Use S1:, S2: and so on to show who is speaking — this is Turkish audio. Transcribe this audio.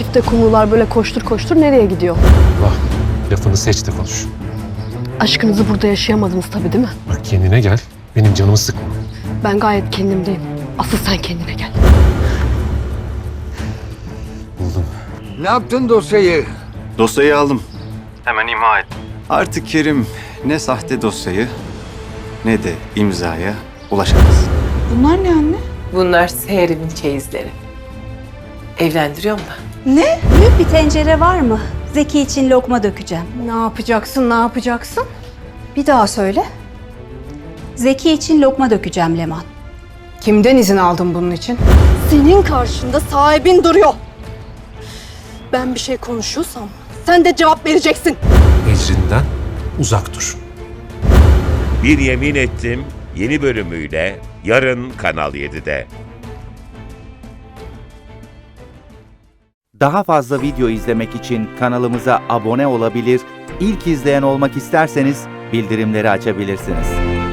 S1: çifte kumrular böyle koştur koştur nereye gidiyor?
S2: Allah, lafını seç de konuş.
S1: Aşkınızı burada yaşayamadınız tabii değil mi?
S2: Bak kendine gel, benim canımı sıkma.
S1: Ben gayet kendimdeyim. Asıl sen kendine gel.
S2: Buldum.
S3: Ne yaptın dosyayı?
S4: Dosyayı aldım.
S5: Hemen imha et.
S4: Artık Kerim ne sahte dosyayı ne de imzaya ulaşamaz.
S6: Bunlar ne anne?
S7: Bunlar Seher'in çeyizleri. Evlendiriyorum da.
S6: Ne?
S8: Büyük bir tencere var mı? Zeki için lokma dökeceğim.
S6: Ne yapacaksın, ne yapacaksın? Bir daha söyle.
S8: Zeki için lokma dökeceğim Leman.
S6: Kimden izin aldın bunun için?
S1: Senin karşında sahibin duruyor. Ben bir şey konuşuyorsam sen de cevap vereceksin.
S2: Ecrinden uzak dur.
S9: Bir Yemin Ettim yeni bölümüyle yarın Kanal 7'de.
S10: Daha fazla video izlemek için kanalımıza abone olabilir, ilk izleyen olmak isterseniz bildirimleri açabilirsiniz.